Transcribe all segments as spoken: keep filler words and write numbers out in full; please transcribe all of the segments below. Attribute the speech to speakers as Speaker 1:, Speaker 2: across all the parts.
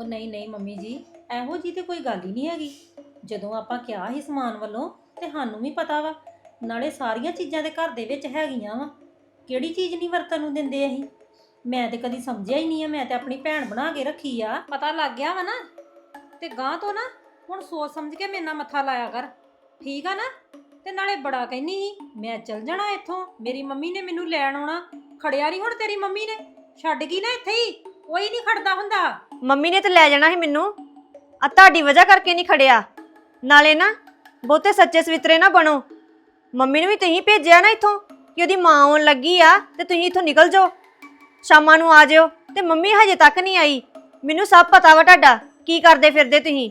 Speaker 1: ਉਹ ਨਹੀਂ ਨਹੀਂ ਮੰਮੀ ਜੀ, ਇਹੋ ਜੀ ਤੇ ਕੋਈ ਗੱਲ ਹੀ ਨਹੀਂ ਹੈਗੀ। ਜਦੋਂ ਆਪਾਂ ਕਿਹਾ ਸੀ ਸਮਾਨ ਵੱਲੋਂ ਤੇ ਸਾਨੂੰ ਵੀ ਪਤਾ ਵਾ, ਨਾਲੇ ਸਾਰੀਆਂ ਚੀਜ਼ਾਂ ਦੇ ਘਰ ਦੇ ਵਿੱਚ ਹੈਗੀਆਂ ਵਾ। ਕਿਹੜੀ ਚੀਜ਼ ਨਹੀਂ ਵਰਤਣ ਨੂੰ ਦਿੰਦੇ ਅਸੀਂ? ਮੈਂ ਤੇ ਕਦੀ ਸਮਝਿਆ ਹੀ ਨਹੀਂ ਆ। ਮੈਂ ਤੇ ਆਪਣੀ ਭੈਣ ਬਣਾ ਕੇ ਰੱਖੀ ਆ। ਪਤਾ ਲੱਗ ਗਿਆ ਵਾ ਨਾ, ਤੇ ਗਾਂ ਤੋਂ ਨਾ ਹੁਣ ਸੋਚ ਸਮਝ ਕੇ ਮੇਰੇ ਨਾਲ ਮੱਥਾ ਲਾਇਆ ਕਰ, ਠੀਕ ਆ ਨਾ? ਤੇ ਨਾਲੇ ਬੜਾ ਕਹਿੰਦੀ ਸੀ ਮੈਂ ਚੱਲ ਜਾਣਾ ਇੱਥੋਂ, ਮੇਰੀ ਮੰਮੀ ਨੇ ਮੈਨੂੰ ਲੈਣ ਆਉਣਾ। ਖੜਿਆ ਨਹੀਂ ਹੁਣ ਤੇਰੀ ਮੰਮੀ ਨੇ, ਛੱਡ ਗਈ ਨਾ ਇੱਥੇ ਹੀ। ਕੋਈ ਨਹੀਂ ਖੜਦਾ ਹੁੰਦਾ।
Speaker 2: ਮੰਮੀ ਨੇ ਤੇ ਲੈ ਜਾਣਾ ਸੀ ਮੈਨੂੰ, ਆ ਤੁਹਾਡੀ ਵਜ੍ਹਾ ਕਰਕੇ ਨਹੀਂ ਖੜਿਆ। ਨਾਲੇ ਨਾ ਬਹੁਤੇ ਸੱਚੇ ਸਵਿਤਰੇ ਨਾ ਬਣੋ। ਮੰਮੀ ਨੂੰ ਵੀ ਤੁਸੀਂ ਭੇਜਿਆ ਨਾ ਇੱਥੋਂ ਕਿ ਉਹਦੀ ਮਾਂ ਆਉਣ ਲੱਗੀ ਆ ਤੇ ਤੁਸੀਂ ਇੱਥੋਂ ਨਿਕਲ ਜਾਓ, ਸ਼ਾਮਾਂ ਨੂੰ ਆ ਜਾਓ। ਤੇ ਮੰਮੀ ਹਜੇ ਤੱਕ ਨਹੀਂ ਆਈ। ਮੈਨੂੰ ਸਭ ਪਤਾ ਵਾ ਤੁਹਾਡਾ ਕੀ ਕਰਦੇ ਫਿਰਦੇ ਤੁਸੀਂ।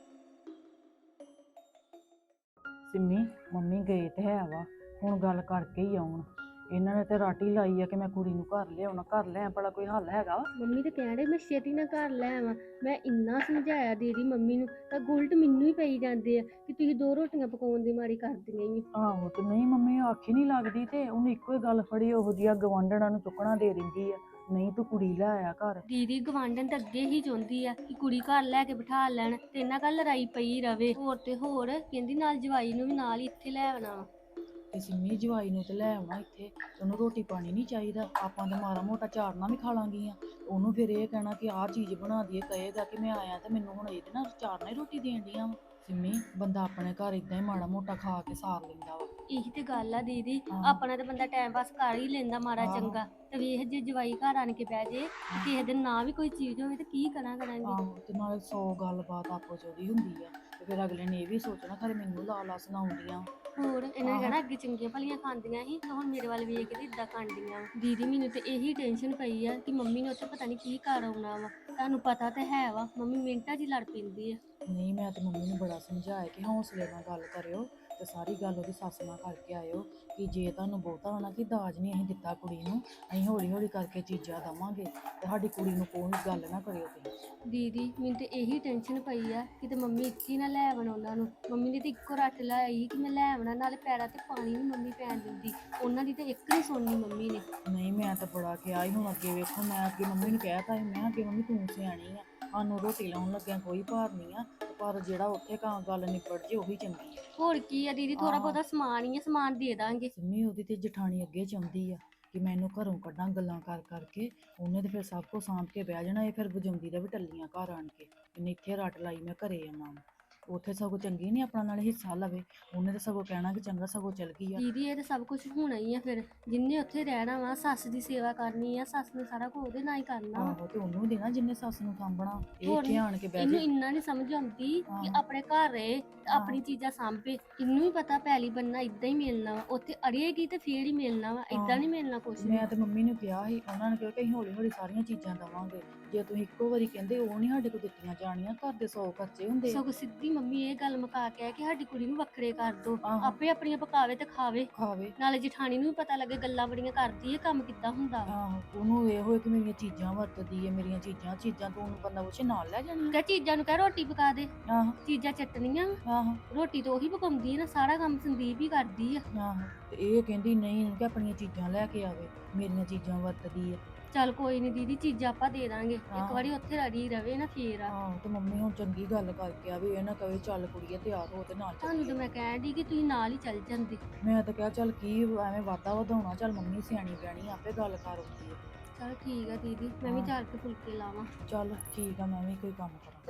Speaker 3: ਸਿੰਮੀ ਮੰਮੀ ਗਏ ਤੇ ਹੈ ਵਾ, ਹੁਣ ਗੱਲ ਕਰਕੇ ਹੀ ਆਉਣ। ਇਹਨਾਂ ਨੇ ਤੇ ਰਾਟੀ ਲਾਈ ਆ ਕਿ ਮੈਂ ਕੁੜੀ ਨੂੰ ਘਰ ਲਿਆਉਣਾ, ਘਰ ਲੈ ਭਲਾ ਕੋਈ ਹੱਲ ਹੈਗਾ ਵਾ?
Speaker 4: ਮੰਮੀ ਤੇ ਕਹਿ ਰਹੇ ਮੈਂ ਛੇਤੀ ਨਾਲ ਘਰ ਲੈ ਆਵਾਂ। ਮੈਂ ਇੰਨਾ ਸਮਝਾਇਆ ਦੀਦੀ ਮੰਮੀ ਨੂੰ, ਤਾਂ ਗੁਲਟ ਮੈਨੂੰ ਹੀ ਪਈ ਜਾਂਦੇ ਆ ਕਿ ਤੁਸੀਂ ਦੋ ਰੋਟੀਆਂ ਪਕਾਉਣ ਦੀ ਮਾਰੀ ਕਰਦੀਆਂ ਹੀ।
Speaker 3: ਆਹੋ ਤੇ ਨਹੀਂ ਮੰਮੀ ਆਖੀ ਨਹੀਂ ਲੱਗਦੀ, ਤੇ ਉਹਨੇ ਇੱਕੋ ਹੀ ਗੱਲ ਫੜੀ, ਉਹੋ ਜਿਹਾ ਗਵਾਂਢਣਾਂ ਨੂੰ ਚੁੱਕਣਾ ਦੇ ਦਿੰਦੀ ਆ। ਨਹੀਂ ਤੂੰ ਕੁੜੀ ਲੈ ਆਇਆ ਘਰ।
Speaker 4: ਦੀਦੀ ਗਵਾਂਢਣ ਤਾਂ ਅੱਗੇ ਹੀ ਚਾਹੁੰਦੀ ਆ ਕਿ ਕੁੜੀ ਘਰ ਲੈ ਕੇ ਬਿਠਾ ਲੈਣ ਤੇ ਇਹਨਾਂ ਕੱਲ ਲੜਾਈ ਪਈ ਰਵੇ। ਹੋਰ ਤੇ ਹੋਰ ਕਹਿੰਦੀ ਨਾਲ ਜਵਾਈ ਨੂੰ ਵੀ ਨਾਲ ਹੀ ਇੱਥੇ ਲੈ ਆਉਣਾ ਵਾ।
Speaker 3: ਤੇ ਸਿੰਮੀ ਜਵਾਈ ਨੂੰ ਤੇ ਲੈ ਆਉਣਾ ਇੱਥੇ, ਉਹਨੂੰ ਰੋਟੀ ਪਾਣੀ ਨਹੀਂ ਚਾਹੀਦਾ? ਆਪਾਂ ਤਾਂ ਮਾੜਾ ਮੋਟਾ ਚਾਰਨਾ ਵੀ ਖਾ ਲਾਂਗੀਆਂ। ਉਹਨੂੰ ਫਿਰ ਇਹ ਕਹਿਣਾ ਕਿ ਆਹ ਚੀਜ਼ ਬਣਾ ਦਈਏ, ਕਹੇਗਾ ਕਿ ਮੈਂ ਆਇਆ ਤੇ ਮੈਨੂੰ ਹੁਣ ਇਹਦੇ ਨਾਲ ਚਾਰਨਾ ਹੀ ਰੋਟੀ ਦੇਣ ਦੀਆਂ ਵਾ। ਸਿੰਮੀ ਬੰਦਾ ਆਪਣੇ ਘਰ ਇਦਾਂ ਹੀ ਮਾੜਾ ਮੋਟਾ ਖਾ ਕੇ ਸਾਰ ਲੈਂਦਾ ਵਾ।
Speaker 4: ਇਹੀ ਤੇ ਗੱਲ ਆ ਦੀਦੀ,
Speaker 3: ਹਾਂ।
Speaker 4: ਆਪਣਾ ਤੇ ਬੰਦਾ ਟਾਈਮ ਪਾਸ ਕਰ ਹੀ ਲੈਂਦਾ ਮਾੜਾ
Speaker 3: ਆਹੋ।
Speaker 4: ਚੰਗਾ। ਤੇ ਵੇਖ ਜੇ ਜਵਾਈ ਘਰ ਆਣ ਕੇ ਬਹਿ ਜੇ ਤੇ ਕਿਸੇ ਦਿਨ ਨਾ ਵੀ ਕੋਈ ਚੀਜ਼ ਹੋਵੇ ਤੇ ਕੀ ਕਰਾਂ ਕਰਾਂਗੇ।
Speaker 3: ਆਹੋ ਤੇ ਨਾਲੇ ਸੌ ਗੱਲਬਾਤ ਆਪੋ ਚ ਉਹਦੀ ਹੁੰਦੀ ਆ, ਤੇ ਫਿਰ ਅਗਲੇ ਨੇ ਇਹ ਵੀ ਸੋਚਣਾ ਖਰੇ ਮੈਨੂੰ ਲਾ ਲਾ ਸੁਣਾਉਂਦੀਆਂ।
Speaker 4: ਹੋਰ ਇਹਨਾਂ ਨੇ ਕਹਿਣਾ ਅੱਗੇ ਚੰਗੀਆਂ ਭਲੀਆਂ ਖਾਂਦੀਆਂ ਸੀ ਤੇ ਹੁਣ ਮੇਰੇ ਵੱਲ ਵੇਖ ਕੇ ਇਦਾਂ ਖਾਂਦੀਆਂ। ਦੀਦੀ ਮੈਨੂੰ ਤੇ ਇਹੀ ਟੈਨਸ਼ਨ ਪਈ ਆ ਕਿ ਮੰਮੀ ਨੇ ਉੱਥੇ ਪਤਾ ਨਹੀਂ ਕੀ ਕਰ ਆਉਣਾ ਵਾ। ਤੁਹਾਨੂੰ ਪਤਾ ਤੇ ਹੈ ਵਾ ਮੰਮੀ ਮਿੰਟਾਂ 'ਚ ਹੀ ਲੜ ਪੈਂਦੀ ਆ।
Speaker 3: ਨਹੀਂ ਮੈਂ ਤੇ ਮੰਮੀ ਨੂੰ ਬੜਾ ਸਮਝਾਇਆ ਕਿ ਹੌਸਲੇ ਨਾਲ ਗੱਲ ਕਰਿਓ ਤੇ ਸਾਰੀ ਗੱਲ ਉਹਦੀ ਸੱਸ ਨਾਲ ਕਰਕੇ ਆਇਓ ਕਿ ਜੇ ਤੁਹਾਨੂੰ ਬਹੁਤਾ ਹੋਣਾ ਕਿ ਦਾਜ ਨਹੀਂ ਅਸੀਂ ਦਿੱਤਾ ਕੁੜੀ ਨੂੰ, ਅਸੀਂ ਹੌਲੀ ਹੌਲੀ ਕਰਕੇ ਚੀਜ਼ਾਂ ਦੇਵਾਂਗੇ, ਤੇ ਸਾਡੀ ਕੁੜੀ ਨੂੰ ਕੋਈ ਗੱਲ ਨਾ ਕਰਿਓ ਤੁਸੀਂ।
Speaker 4: ਦੀਦੀ ਮੈਨੂੰ ਤੇ ਇਹੀ ਟੈਨਸ਼ਨ ਪਈ ਆ ਕਿ ਤੇ ਮੰਮੀ ਇੱਥੇ ਨਾ ਲੈ ਆਵਣ ਉਹਨਾਂ ਨੂੰ। ਮੰਮੀ ਨੇ ਤੇ ਇੱਕੋ ਰੱਟ ਲਾਈ ਕਿ ਮੈਂ ਲੈ ਆਵਣਾ, ਨਾਲੇ ਪੈਰਾਂ ਤੇ ਪਾਣੀ ਨਹੀਂ ਮੰਮੀ ਪੈਣ ਦਿੰਦੀ। ਉਹਨਾਂ ਦੀ ਤੇ ਇੱਕ ਨਹੀਂ ਸੁਣਨੀ ਮੰਮੀ ਨੇ।
Speaker 3: ਨਹੀਂ ਮੈਂ ਤਾਂ ਬੜਾ ਕਿਹਾ ਸੀ, ਹੁਣ ਅੱਗੇ ਵੇਖੋ ਮੈਂ ਅੱਗੇ ਮੰਮੀ ਨੂੰ ਕਹਿ ਤਾ ਸੀ, ਮੈਂ ਅੱਗੇ ਮੰਮੀ ਤੂੰ ਸਿਆਣੀ ਆ, ਸਾਨੂੰ ਰੋਟੀ ਲਾਉਣ ਲੱਗਿਆ ਕੋਈ ਭਾਰ ਨਹੀਂ ਆ, ਪਰ ਜਿਹੜਾ ਉੱਥੇ ਕਾਂ ਗੱਲ ਨਿਬੜ ਜੇ ਉਹੀ ਚੰਗੀ ਆ।
Speaker 4: ਹੋਰ ਕੀ ਆ ਦੀਦੀ, ਥੋੜਾ ਬਹੁਤਾ ਸਮਾਨ ਹੀ ਆ, ਸਮਾਨ ਦੇ ਦਾਂਗੇ।
Speaker 3: ਸਿੰਮੀ ਉਹਦੀ ਤੇ ਜਠਾਣੀ ਅੱਗੇ ਚਾਹੁੰਦੀ ਆ ਕਿ ਮੈਂ ਇਹਨੂੰ ਘਰੋਂ ਕੱਢਾਂ ਗੱਲਾਂ ਕਰ ਕਰਕੇ। ਉਹਨੇ ਤੇ ਫਿਰ ਸਭ ਕੁਝ ਸਾਂਭ ਕੇ ਬਹਿ ਜਾਣਾ, ਇਹ ਫਿਰ ਵਜਾਉਂਦੀ ਦਾ ਵੀ ਟੱਲੀਆਂ ਘਰ ਆਣ ਕੇ। ਇਹਨੇ ਇੱਥੇ ਰੱਟ ਲਾਈ ਮੈਂ ਘਰੇ ਆਉਣਾ, ਉੱਥੇ ਸਗੋਂ ਚੰਗੀ ਨਹੀਂ ਆਪਣਾ ਨਾਲ ਹਿੱਸਾ ਲਵੇ। ਉਹਨੇ ਤਾਂ ਸਗੋਂ ਕਹਿਣਾ ਕਿ ਚੰਗਾ ਸਗੋਂ ਚਲ ਗਈ ਆ।
Speaker 4: ਦੀਦੀ ਇਹ ਤਾਂ ਸਭ ਕੁਝ ਹੋਣਾ ਹੀ ਆ। ਫਿਰ ਜਿੰਨੇ ਉੱਥੇ ਰਹਿਣਾ ਵਾ, ਸੱਸ ਦੀ ਸੇਵਾ ਕਰਨੀ ਆ, ਸੱਸ ਨੇ ਸਾਰਾ ਕੁਝ ਉਹਦੇ ਨਾਲ ਹੀ ਕਰਨਾ ਵਾ।
Speaker 3: ਆਹੋ ਤੇ ਉਹਨੂੰ ਦੇਣਾ ਜਿੰਨੇ ਸੱਸ ਨੂੰ ਸਾਂਭਣਾ। ਇਹ
Speaker 4: ਹੋਰ
Speaker 3: ਇੱਥੇ ਆਣ ਕੇ ਬਹਿ
Speaker 4: ਇਹਨੂੰ
Speaker 3: ਜਾ।
Speaker 4: ਇੰਨਾ ਨਹੀਂ ਸਮਝ ਆਉਂਦੀ ਕਿ
Speaker 3: ਹਾਂ।
Speaker 4: ਆਪਣੇ ਘਰ ਰਹੇ ਤੇ ਆਪਣੀ ਚੀਜ਼ਾਂ ਸਾਂਭੇ। ਇਹਨੂੰ ਵੀ ਪਤਾ ਪੈਲੀ ਬੰਨਾ ਇਦਾਂ ਹੀ ਮਿਲਣਾ ਵਾ, ਉੱਥੇ ਅੜੀਏਗੀ ਤੇ ਫੇਰ ਹੀ ਮਿਲਣਾ ਵਾ, ਇਦਾਂ ਨਹੀਂ ਮਿਲਣਾ ਕੁਛ ਵੀ।
Speaker 3: ਮੈਂ ਤੇ ਮੰਮੀ ਨੂੰ ਕਿਹਾ ਸੀ, ਉਹਨਾਂ ਨੇ ਕਿਹਾ ਕਿ ਅਸੀਂ ਹੌਲੀ ਹੌਲੀ ਸਾਰੀਆਂ ਚੀਜ਼ਾਂ ਦੇਵਾਂਗੇ। ਜੇ ਤੁਸੀਂ ਇੱਕੋ ਵਾਰੀ ਕਹਿੰਦੇ ਉਹ ਨਹੀਂ ਸਾਡੇ ਕੋਲ ਦਿੱਤੀਆਂ ਜਾਣੀਆਂ, ਘਰ ਦੇ ਸੌ ਖਰਚੇ ਹੁੰਦੇ ਆ।
Speaker 4: ਸਗੋਂ ਸਿੱਧੀ ਮੰਮੀ ਇਹ ਗੱਲ ਮੁਕਾ ਕੇ ਆ ਕਿ ਸਾਡੀ ਕੁੜੀ ਨੂੰ ਵੱਖਰੇ ਕਰ ਦੋ,
Speaker 3: ਆਹੋ।
Speaker 4: ਆਪੇ ਆਪਣੀਆਂ ਪਕਾਵੇ ਤੇ ਖਾਵੇ,
Speaker 3: ਖਾਵੇ।
Speaker 4: ਨਾਲੇ ਜਠਾਣੀ ਨੂੰ ਵੀ ਪਤਾ ਲੱਗੇ ਗੱਲਾਂ ਬੜੀਆਂ ਕਰਦੀ ਹੈ, ਕੰਮ ਕਿੱਦਾਂ ਹੁੰਦਾ ਵਾ।
Speaker 3: ਆਹੋ ਉਹਨੂੰ ਇਹ ਹੋਏ ਕਿ ਮੇਰੀਆਂ ਚੀਜ਼ਾਂ ਵਰਤਦੀ ਹੈ, ਮੇਰੀਆਂ ਚੀਜ਼ਾਂ ਚੀਜ਼ਾਂ ਤੋਂ ਉਹਨੂੰ ਬੰਦਾ ਪੁੱਛੇ ਨਾਲ ਲੈ ਜਾਣੀ।
Speaker 4: ਕਹ ਚੀਜ਼ਾਂ ਨੂੰ ਕਹਿ ਰੋਟੀ ਪਕਾ ਦੇ,
Speaker 3: ਆਹੋ
Speaker 4: ਚੀਜ਼ਾਂ ਚਟਣੀਆਂ।
Speaker 3: ਆਹੋ
Speaker 4: ਰੋਟੀ ਤਾਂ ਉਹੀ ਪਕਾਉਂਦੀ ਹੈ ਨਾ, ਸਾਰਾ ਕੰਮ ਸੰਦੀਪ ਹੀ ਕਰਦੀ ਆ।
Speaker 3: ਆਹੋ ਤੇ ਇਹ ਕਹਿੰਦੀ ਨਹੀਂ ਕਿ ਆਪਣੀਆਂ ਚੀਜ਼ਾਂ ਲੈ ਕੇ ਆਵੇ, ਮੇਰੀਆਂ ਚੀਜ਼ਾਂ ਵਰਤਦੀ ਹੈ।
Speaker 4: ਚੱਲ ਕੋਈ ਨਹੀਂ ਦੀਦੀ, ਚੀਜ਼ਾਂ ਆਪਾਂ ਦੇ ਦਾਂਗੇ। ਇੱਕ
Speaker 3: ਆਹੋ।
Speaker 4: ਵਾਰੀ ਉੱਥੇ ਰੜੀ ਰਵੇ ਨਾ ਫੇਰ ਆ।
Speaker 3: ਆਹੋ ਤੇ ਮੰਮੀ ਹੁਣ ਚੰਗੀ ਗੱਲ ਕਰਕੇ ਆ ਵੀ ਇਹ ਨਾ ਕਵੇ ਚੱਲ ਕੁੜੀਏ ਤਿਆਰ ਹੋ ਤੇ ਨਾਲ
Speaker 4: ਤੁਹਾਨੂੰ
Speaker 3: ਚੱਲੀਏ।
Speaker 4: ਤਾਂ ਮੈਂ ਕਹਿਣ ਦੀ ਕਿ ਤੁਸੀਂ ਨਾਲ ਹੀ ਚੱਲ ਜਾਂਦੇ।
Speaker 3: ਮੈਂ ਤਾਂ ਕਿਹਾ ਚੱਲ ਕੀ ਐਵੇਂ ਵਾਧਾ ਵਧਾਉਣਾ, ਚੱਲ ਮੰਮੀ ਸਿਆਣੀ ਬਿਆਣੀ ਆਪੇ ਗੱਲ ਕਰ ਹੁੰਦੀ ਹੈ।
Speaker 4: ਚਲ ਠੀਕ ਆ ਦੀਦੀ, ਮੈਂ ਵੀ
Speaker 3: ਹਾਂ।
Speaker 4: ਚੱਲ ਕੇ ਫੁਲਕੇ ਲਾਵਾਂ।
Speaker 3: ਚੱਲ ਠੀਕ ਆ, ਮੈਂ ਵੀ ਕੋਈ ਕੰਮ ਕਰਾਂ।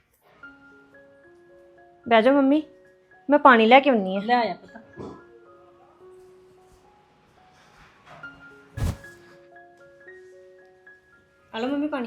Speaker 2: ਬਹਿ ਜਾਓ ਮੰਮੀ, ਮੈਂ ਪਾਣੀ ਲੈ ਕੇ ਆਉਣੀ ਆ।
Speaker 1: ਲੈ ਆਇਆ ਪੁੱਤ।
Speaker 2: ਹਲੋ ਮੰਮੀ ਪਾਣੀ।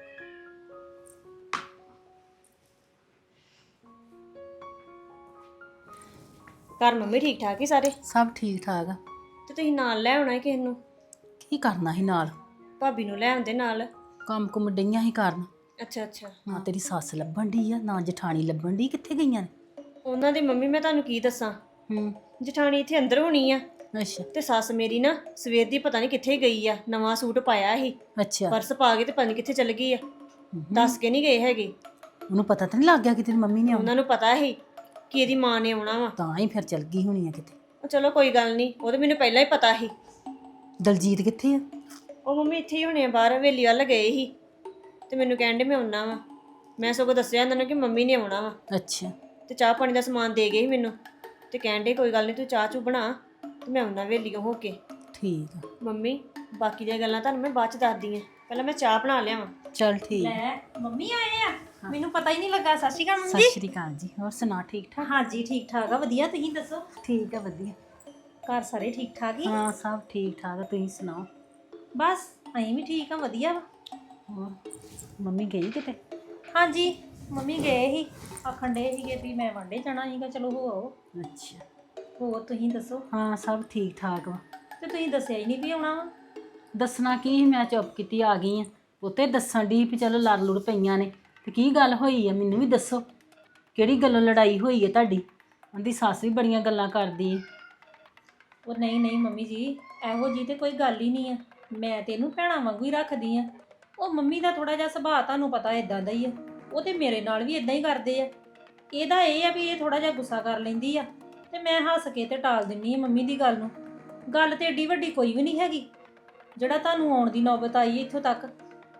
Speaker 2: ਘਰ ਮੰਮੀ ਠੀਕ ਠਾਕ ਹੀ ਸਾਰੇ?
Speaker 5: ਸਭ ਠੀਕ ਠਾਕ ਆ।
Speaker 2: ਤੇ ਤੁਸੀਂ ਨਾਲ ਲੈ ਆਉਣਾ ਕਿਸੇ ਨੂੰ,
Speaker 5: ਕੀ ਕਰਨਾ ਸੀ ਨਾਲ?
Speaker 2: ਭਾਬੀ ਨੂੰ ਲੈ ਆਉਂਦੇ ਨਾਲ।
Speaker 5: ਕੰਮ ਕੁਮ ਡਈਆਂ ਸੀ ਕਰਨ।
Speaker 2: ਅੱਛਾ ਅੱਛਾ।
Speaker 5: ਨਾ ਤੇਰੀ ਸੱਸ ਲੱਭਣ ਡਈ ਆ, ਨਾ ਜਠਾਣੀ ਲੱਭਣ ਡਈ, ਕਿੱਥੇ ਗਈਆਂ ਨੇ?
Speaker 2: ਉਹਨਾਂ ਦੀ ਮੰਮੀ ਮੈਂ ਤੁਹਾਨੂੰ ਕੀ ਦੱਸਾਂ,
Speaker 5: ਹੂੰ।
Speaker 2: ਜਠਾਣੀ ਇੱਥੇ ਅੰਦਰ ਹੋਣੀ ਆ,
Speaker 5: ਅੱਛਾ
Speaker 2: ਤੇ ਸੱਸ ਮੇਰੀ ਨਾ ਸਵੇਰ ਦੀ ਪਤਾ ਨਹੀਂ ਕਿੱਥੇ ਗਈ ਆ। ਨਵਾਂ ਸੂਟ ਪਾਇਆ ਸੀ,
Speaker 5: ਅੱਛਾ।
Speaker 2: ਪਰਸ ਪਾ ਕੇ ਤੇ ਪਤਾ ਨਹੀਂ ਕਿੱਥੇ ਚਲ ਗਈ ਆ,
Speaker 5: ਹੂੰ।
Speaker 2: ਦੱਸ ਕੇ ਨਹੀਂ ਗਏ ਹੈਗੇ।
Speaker 5: ਉਹਨੂੰ ਪਤਾ ਤਾਂ ਨਹੀਂ ਲੱਗ ਗਿਆ ਕਿ ਤੇਰੀ ਮੰਮੀ ਨੇ ਆਉਣਾ?
Speaker 2: ਉਹਨਾਂ ਨੂੰ ਪਤਾ ਸੀ ਕਿ ਇਹਦੀ ਮਾਂ ਨੇ ਆਉਣਾ ਵਾ।
Speaker 5: ਤਾਂ ਹੀ ਫਿਰ ਚਲ ਗਈ ਹੋਣੀ ਆ ਕਿਤੇ।
Speaker 2: ਉਹ ਚਲੋ ਕੋਈ ਗੱਲ ਨਹੀਂ, ਉਹ ਤਾਂ ਮੈਨੂੰ ਪਹਿਲਾਂ ਹੀ ਪਤਾ ਸੀ।
Speaker 5: ਦਲਜੀਤ ਕਿੱਥੇ ਆ?
Speaker 2: ਉਹ ਮੰਮੀ ਇੱਥੇ ਹੀ ਹੋਣੇ ਆ, ਬਾਹਰ ਹਵੇਲੀ ਵੱਲ ਗਏ ਸੀ ਤੇ ਮੈਨੂੰ ਕਹਿਣ ਦੇ ਮੈਂ ਆਉਣਾ ਵਾ। ਮੈਂ ਸਗੋਂ ਦੱਸਿਆ ਇਹਨਾਂ ਨੂੰ ਕਿ ਮੰਮੀ ਨੇ ਆਉਣਾ ਵਾ
Speaker 5: ਅੱਛਾ
Speaker 2: ਤੇ ਚਾਹ ਪਾਣੀ ਦਾ ਸਮਾਨ ਦੇ ਗਏ ਸੀ ਮੈਨੂੰ ਤੇ ਕਹਿਣ ਡੇ ਕੋਈ ਗੱਲ ਨਹੀਂ ਤੂੰ ਚਾਹ ਚੂ ਬਣਾ ਤੇ ਮੈਂ ਉਹਨਾਂ ਵੇਲੀਓ ਹੋ ਕੇ।
Speaker 5: ਠੀਕ ਆ
Speaker 2: ਮੰਮੀ ਬਾਕੀ ਦੀਆਂ ਗੱਲਾਂ ਤੁਹਾਨੂੰ ਮੈਂ ਬਾਅਦ ਚ ਦੱਸਦੀ ਆ, ਪਹਿਲਾਂ ਮੈਂ ਚਾਹ ਬਣਾ ਲਿਆਵਾਂ।
Speaker 5: ਚਲ ਠੀਕ।
Speaker 1: ਲੈ ਮੰਮੀ ਆਏ ਆ, ਮੈਨੂੰ ਪਤਾ ਹੀ ਨਹੀਂ ਲੱਗਾ। ਸਤਿ ਸ਼੍ਰੀ ਅਕਾਲ ਮੰਮੀ
Speaker 5: ਸਤਿ
Speaker 1: ਜੀ।
Speaker 5: ਸ਼੍ਰੀ ਅਕਾਲ ਜੀ, ਹੋਰ ਸੁਣਾ ਠੀਕ ਠਾਕ?
Speaker 1: ਹਾਂਜੀ ਠੀਕ ਠਾਕ ਆ, ਵਧੀਆ। ਤੁਸੀਂ ਦੱਸੋ
Speaker 5: ਠੀਕ ਆ ਵਧੀਆ।
Speaker 1: ਘਰ ਸਾਰੇ ਠੀਕ ਠਾਕ ਹੀ?
Speaker 5: ਹਾਂ ਸਭ ਠੀਕ ਠਾਕ ਆ, ਤੁਸੀਂ ਸੁਣਾਓ?
Speaker 1: ਬਸ ਅਸੀਂ ਵੀ ਠੀਕ ਆ, ਵਧੀਆ ਵਾ।
Speaker 5: ਹੋਰ ਮੰਮੀ ਗਈ ਕਿਤੇ?
Speaker 1: ਹਾਂਜੀ ਮੰਮੀ ਗਏ ਸੀ, ਆਖਣ ਡੇ ਸੀਗੇ ਵੀ ਮੈਂ ਵਾਂਡੇ ਜਾਣਾ ਸੀਗਾ, ਚਲੋ ਹੋ ਆਓ।
Speaker 5: ਅੱਛਾ
Speaker 1: ਹੋਰ ਤੁਸੀਂ ਦੱਸੋ?
Speaker 5: ਹਾਂ ਸਭ ਠੀਕ ਠਾਕ ਵਾ।
Speaker 1: ਤੇ ਤੁਸੀਂ ਦੱਸਿਆ ਹੀ ਨਹੀਂ ਵੀ ਆਉਣਾ ਵਾ।
Speaker 5: ਦੱਸਣਾ ਕੀ ਸੀ, ਮੈਂ ਚੁੱਪ ਕੀਤੀ ਆ ਗਈ ਆ। ਉੱਤੇ ਦੱਸਣ ਦੀ ਵੀ ਚਲੋ ਲੜ ਲੁੜ ਪਈਆਂ ਨੇ ਤੇ ਕੀ ਗੱਲ ਹੋਈ ਆ ਮੈਨੂੰ ਵੀ ਦੱਸੋ, ਕਿਹੜੀ ਗੱਲੋਂ ਲੜਾਈ ਹੋਈ ਹੈ ਤੁਹਾਡੀ? ਉਹਦੀ ਸੱਸ ਵੀ ਬੜੀਆਂ ਗੱਲਾਂ ਕਰਦੀ ਹੈ।
Speaker 1: ਉਹ ਨਹੀਂ ਨਹੀਂ ਮੰਮੀ ਜੀ, ਇਹੋ ਜੀ ਤੇ ਕੋਈ ਗੱਲ ਹੀ ਨਹੀਂ ਆ। ਮੈਂ ਤੇ ਇਹਨੂੰ ਭੈਣਾਂ ਵਾਂਗੂ ਹੀ ਰੱਖਦੀ ਆ। ਉਹ ਮੰਮੀ ਦਾ ਥੋੜਾ ਜਿਹਾ ਸੁਭਾਅ ਤੁਹਾਨੂੰ ਪਤਾ ਇਦਾਂ ਦਾ ਹੀ ਆ, ਉਹ ਤੇ ਮੇਰੇ ਨਾਲ ਵੀ ਇਦਾਂ ਹੀ ਕਰਦੇ ਆ। ਇਹਦਾ ਇਹ ਆ ਵੀ ਇਹ ਥੋੜਾ ਜਿਹਾ ਗੁੱਸਾ ਕਰ ਲੈਂਦੀ ਆ ਤੇ ਮੈਂ ਹੱਸ ਕੇ ਤੇ ਟਾਲ ਦਿੰਨੀ ਆ ਮੰਮੀ ਦੀ ਗੱਲ ਨੂੰ। ਗੱਲ ਤੇ ਏਡੀ ਵੱਡੀ ਕੋਈ ਵੀ ਨਹੀਂ ਹੈਗੀ ਜਿਹੜਾ ਤੁਹਾਨੂੰ ਆਉਣ ਦੀ ਨੌਬਤ ਆਈ ਹੈ ਇੱਥੋਂ ਤੱਕ।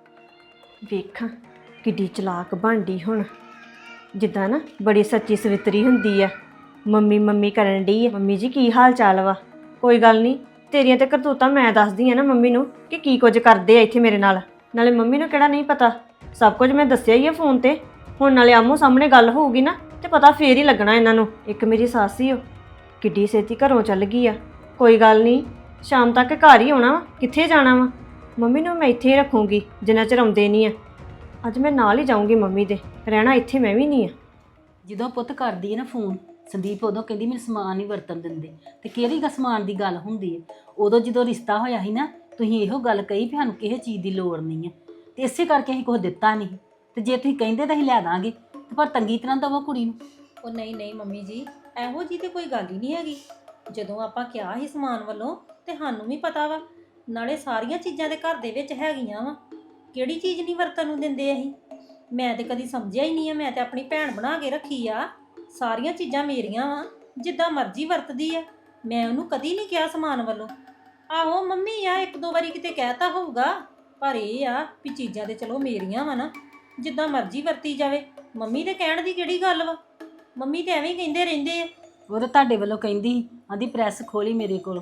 Speaker 2: ਵੇਖਾਂ ਕਿੱਡੀ ਚਲਾਕ ਬਣਦੀ ਹੁਣ, ਜਿੱਦਾਂ ਨਾ ਬੜੀ ਸੱਚੀ ਸਵਿਤਰੀ ਹੁੰਦੀ ਆ। ਮੰਮੀ ਮੰਮੀ ਕਰਨ ਡਈ ਆ। ਮੰਮੀ ਜੀ ਕੀ ਹਾਲ ਚਾਲ ਵਾ? ਕੋਈ ਗੱਲ ਨਹੀਂ, ਤੇਰੀਆਂ ਤੇ ਕਰਤੂਤਾਂ ਮੈਂ ਦੱਸਦੀ ਆ ਨਾ ਮੰਮੀ ਨੂੰ ਕਿ ਕੀ ਕੁਝ ਕਰਦੇ ਆ ਇੱਥੇ ਮੇਰੇ ਨਾਲ। ਨਾਲੇ ਮੰਮੀ ਨੂੰ ਕਿਹੜਾ ਨਹੀਂ ਪਤਾ, ਸਭ ਕੁਝ ਮੈਂ ਦੱਸਿਆ ਹੀ ਆ ਫੋਨ ਤੇ। ਹੁਣ ਨਾਲੇ ਆਮੋ ਸਾਹਮਣੇ ਗੱਲ ਹੋਊਗੀ ਨਾ ਤੇ ਪਤਾ ਫੇਰ ਹੀ ਲੱਗਣਾ ਇਹਨਾਂ ਨੂੰ। ਇੱਕ ਮੇਰੀ ਸੱਸ ਹੀ ਉਹ ਕਿੱਡੀ ਛੇਤੀ ਘਰੋਂ ਚੱਲ ਗਈ ਆ। ਕੋਈ ਗੱਲ ਨਹੀਂ, ਸ਼ਾਮ ਤੱਕ ਘਰ ਹੀ ਆਉਣਾ ਵਾ, ਕਿੱਥੇ ਜਾਣਾ ਵਾ। ਮੰਮੀ ਨੂੰ ਮੈਂ ਇੱਥੇ ਹੀ ਰੱਖੂੰਗੀ ਜਿੰਨਾ ਚਿਰ ਆਉਂਦੇ ਨਹੀਂ ਆ। ਅੱਜ ਮੈਂ ਨਾਲ ਹੀ ਜਾਊਂਗੀ ਮੰਮੀ ਦੇ, ਰਹਿਣਾ ਇੱਥੇ ਮੈਂ ਵੀ ਨਹੀਂ ਆ।
Speaker 5: ਜਦੋਂ ਪੁੱਤ ਕਰਦੀ ਹੈ ਨਾ ਫੋਨ ਸੰਦੀਪ, ਉਦੋਂ ਕਹਿੰਦੀ ਮੈਨੂੰ ਸਮਾਨ ਨਹੀਂ ਵਰਤਣ ਦਿੰਦੇ। ਤੇ ਕਿਹੜੀ ਗਾ ਸਮਾਨ ਦੀ ਗੱਲ ਹੁੰਦੀ ਹੈ? ਉਦੋਂ ਜਦੋਂ ਰਿਸ਼ਤਾ ਹੋਇਆ ਸੀ ਨਾ, ਤੁਸੀਂ ਇਹੋ ਗੱਲ ਕਹੀ ਵੀ ਸਾਨੂੰ ਕਿਸੇ ਚੀਜ਼ ਦੀ ਲੋੜ ਨਹੀਂ ਹੈ ਤੇ ਇਸੇ ਕਰਕੇ ਅਸੀਂ ਕੁਝ ਦਿੱਤਾ ਨਹੀਂ। ਤੇ ਜੇ ਤੁਸੀਂ ਕਹਿੰਦੇ ਤਾਂ ਅਸੀਂ ਲੈ ਦਾਂਗੇ, ਤੇ ਪਰ ਤੰਗੀ ਤਰ੍ਹਾਂ ਦਵੋ ਕੁੜੀ ਨੂੰ।
Speaker 1: ਉਹ ਨਹੀਂ ਨਹੀਂ ਮੰਮੀ ਜੀ, ਇਹੋ ਜੀ ਤੇ ਕੋਈ ਗੱਲ ਹੀ ਨਹੀਂ ਹੈਗੀ। ਜਦੋਂ ਆਪਾਂ ਕਿਹਾ ਸੀ ਸਮਾਨ ਵੱਲੋਂ ਤੇ ਸਾਨੂੰ ਵੀ ਪਤਾ ਵਾ, ਨਾਲੇ ਸਾਰੀਆਂ ਚੀਜ਼ਾਂ ਦੇ ਘਰ ਦੇ ਵਿੱਚ ਹੈਗੀਆਂ ਵਾ। ਕਿਹੜੀ ਚੀਜ਼ ਨਹੀਂ ਵਰਤਣ ਨੂੰ ਦਿੰਦੇ ਅਸੀਂ? ਮੈਂ ਤੇ ਕਦੀ ਸਮਝਿਆ ਹੀ ਨਹੀਂ ਆ। ਮੈਂ ਤੇ ਆਪਣੀ ਭੈਣ ਬਣਾ ਕੇ ਰੱਖੀ ਆ, ਸਾਰੀਆਂ ਚੀਜ਼ਾਂ ਮੇਰੀਆਂ ਵਾ, ਜਿੱਦਾਂ ਮਰਜ਼ੀ ਵਰਤਦੀ ਆ। ਮੈਂ ਉਹਨੂੰ ਕਦੀ ਨਹੀਂ ਕਿਹਾ ਸਮਾਨ ਵੱਲੋਂ। ਆਹੋ ਮੰਮੀ ਆ ਇੱਕ ਦੋ ਵਾਰੀ ਕਿਤੇ ਕਹਿਤਾ ਹੋਊਗਾ, ਪਰ ਇਹ ਆ ਵੀ ਚੀਜ਼ਾਂ ਤੇ ਚਲੋ ਮੇਰੀਆਂ ਵਾ ਨਾ, ਜਿੱਦਾਂ ਮਰਜ਼ੀ ਵਰਤੀ ਜਾਵੇ। ਮੰਮੀ ਦੇ ਕਹਿਣ ਦੀ ਕਿਹੜੀ ਗੱਲ ਵਾ? ਮੰਮੀ ਤੇ ਐਵੇਂ ਹੀ ਕਹਿੰਦੇ ਰਹਿੰਦੇ ਆ।
Speaker 5: ਉਹ ਤਾਂ ਤੁਹਾਡੇ ਵੱਲੋਂ ਕਹਿੰਦੀ ਸੀ, ਆਂਦੀ ਪ੍ਰੈਸ ਖੋਲੀ ਮੇਰੇ ਕੋਲ।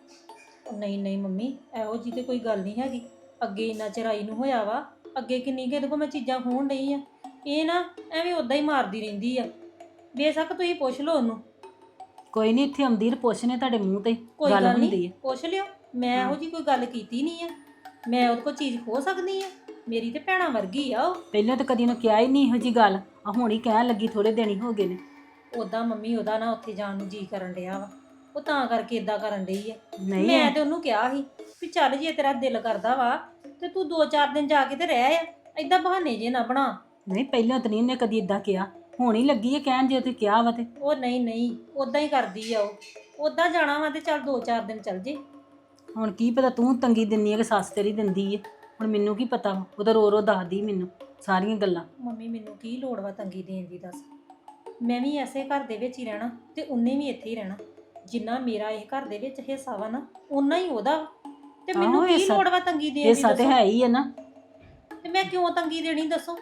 Speaker 1: ਉਹ ਨਹੀਂ ਨਹੀਂ ਮੰਮੀ, ਇਹੋ ਜੀ ਤੇ ਕੋਈ ਗੱਲ ਨਹੀਂ ਹੈਗੀ। ਅੱਗੇ ਇੰਨਾ ਚਿਰਾਈ ਨੂੰ ਹੋਇਆ ਵਾ, ਅੱਗੇ ਕਿੰਨੀ ਕੁ ਇਹਦੇ ਕੋਲ ਮੈਂ ਚੀਜ਼ਾਂ ਖੋਹਣ ਡਈ ਆ। ਇਹ ਨਾ ਐਵੇਂ ਉਦਾਂ ਹੀ ਮਾਰਦੀ ਰਹਿੰਦੀ ਆ। ਬੇਸ਼ੱਕ ਤੁਸੀਂ ਪੁੱਛ ਲਓ ਉਹਨੂੰ।
Speaker 5: ਕੋਈ ਨਹੀਂ, ਇੱਥੇ ਆਉਂਦੀ ਪੁੱਛਨੇ ਤੁਹਾਡੇ ਮੂੰਹ ਤੇ
Speaker 1: ਕੋਈ
Speaker 5: ਗੱਲ
Speaker 1: ਗੱਲ
Speaker 5: ਹੁੰਦੀ
Speaker 1: ਨਹੀਂ,
Speaker 5: ਹੈ।
Speaker 1: ਪੁੱਛ ਲਿਓ। ਮੈਂ ਇਹੋ ਜੀ ਕੋਈ ਗੱਲ ਕੀਤੀ ਨਹੀਂ ਆ। ਮੈਂ ਉਹਦੇ ਕੋਲ ਚੀਜ਼ ਖੋਹ ਸਕਦੀ ਆ? ਮੇਰੀ ਤੇ ਭੈਣਾਂ ਵਰਗੀ ਆ ਉਹ।
Speaker 5: ਪਹਿਲਾਂ ਤਾਂ ਕਦੀ ਉਹਨੂੰ ਕਿਹਾ ਹੀ ਨਹੀਂ ਇਹੋ ਜੀ ਗੱਲ, ਆ ਹੁਣ ਹੀ ਕਹਿਣ ਲੱਗੀ, ਥੋੜੇ ਦਿਨ ਹੀ ਹੋ ਗਏ ਨੇ।
Speaker 1: ਉਦਾਂ ਮੰਮੀ ਉਹਦਾ ਨਾ ਉੱਥੇ ਜਾਣ ਨੂੰ ਜੀ ਕਰਨ ਡਿਆ ਵਾ, ਉਹ ਤਾਂ ਕਰਕੇ ਇਦਾਂ ਕਰਨ ਡਈ ਆ।
Speaker 5: ਨਹੀਂ
Speaker 1: ਮੈਂ ਤੇ ਉਹਨੂੰ ਕਿਹਾ ਸੀ ਵੀ ਚੱਲ ਜੇ ਤੇਰਾ ਦਿਲ ਕਰਦਾ ਵਾ ਤੇ ਤੂੰ ਦੋ ਚਾਰ ਦਿਨ ਜਾ ਕੇ ਤੇ ਰਹਿ ਆ, ਏਦਾਂ ਬਹਾਨੇ ਜੇ ਨਾ ਬਣਾ।
Speaker 5: ਨਹੀਂ ਪਹਿਲਾਂ ਤਾਂ ਨਹੀਂ ਉਹਨੇ ਕਦੀ ਇਦਾਂ ਕਿਹਾ, ਹੁਣ ਹੀ ਲੱਗੀ ਹੈ ਕਹਿਣ ਜੇ ਤੁਸੀਂ ਕਿਹਾ ਵਾ ਤੇ।
Speaker 1: ਉਹ ਨਹੀਂ ਨਹੀਂ, ਉਦਾਂ ਹੀ ਕਰਦੀ ਆ ਉਹ। ਉਦਾਂ ਜਾਣਾ ਵਾ ਤੇ ਚੱਲ ਦੋ ਚਾਰ ਦਿਨ ਚੱਲ ਜੇ।
Speaker 5: ਹੁਣ ਕੀ ਪਤਾ ਤੂੰ ਤੰਗੀ ਦਿੰਦੀ ਹੈ ਕਿ ਸੱਸ ਤੇਰੀ ਦਿੰਦੀ ਹੈ, ਹੁਣ ਮੈਨੂੰ ਕੀ ਪਤਾ ਵਾ। ਉਹ ਤਾਂ ਰੋ ਰੋ ਦੱਸਦੀ ਮੈਨੂੰ ਸਾਰੀਆਂ ਗੱਲਾਂ।
Speaker 1: ਮੰਮੀ ਮੈਨੂੰ ਕੀ ਲੋੜ ਵਾ ਤੰਗੀ ਦੇਣ ਦੀ ਦੱਸ? ਮੈਂ ਵੀ ਐਸੇ ਘਰ ਦੇ ਵਿੱਚ ਹੀ ਰਹਿਣਾ ਤੇ ਉਹਨੇ ਵੀ ਇੱਥੇ ਹੀ ਰਹਿਣਾ। ਜਿੰਨਾ ਮੇਰਾ ਇਹ ਘਰ ਦੇ ਵਿੱਚ ਹਿੱਸਾ ਵਾ ਨਾ, ਓਨਾ ਹੀ ਉਹਦਾ ਵਾ। ਤੇ ਮੈਨੂੰ
Speaker 5: ਆਹੋ,
Speaker 1: ਕੀ
Speaker 5: ਹਿੱਸਾ-
Speaker 1: ਲੋੜ ਵਾ ਤੰਗੀ ਦੇਣ ਦੀ
Speaker 5: ਹਿੱਸਾ ਤੇ
Speaker 1: ਦੱਸੋ?
Speaker 5: ਹੈ ਹੀ ਹੈ ਨਾ।
Speaker 1: ਤੇ ਮੈਂ ਕਿਉਂ ਤੰਗੀ ਦੇਣੀ ਦੱਸੋ?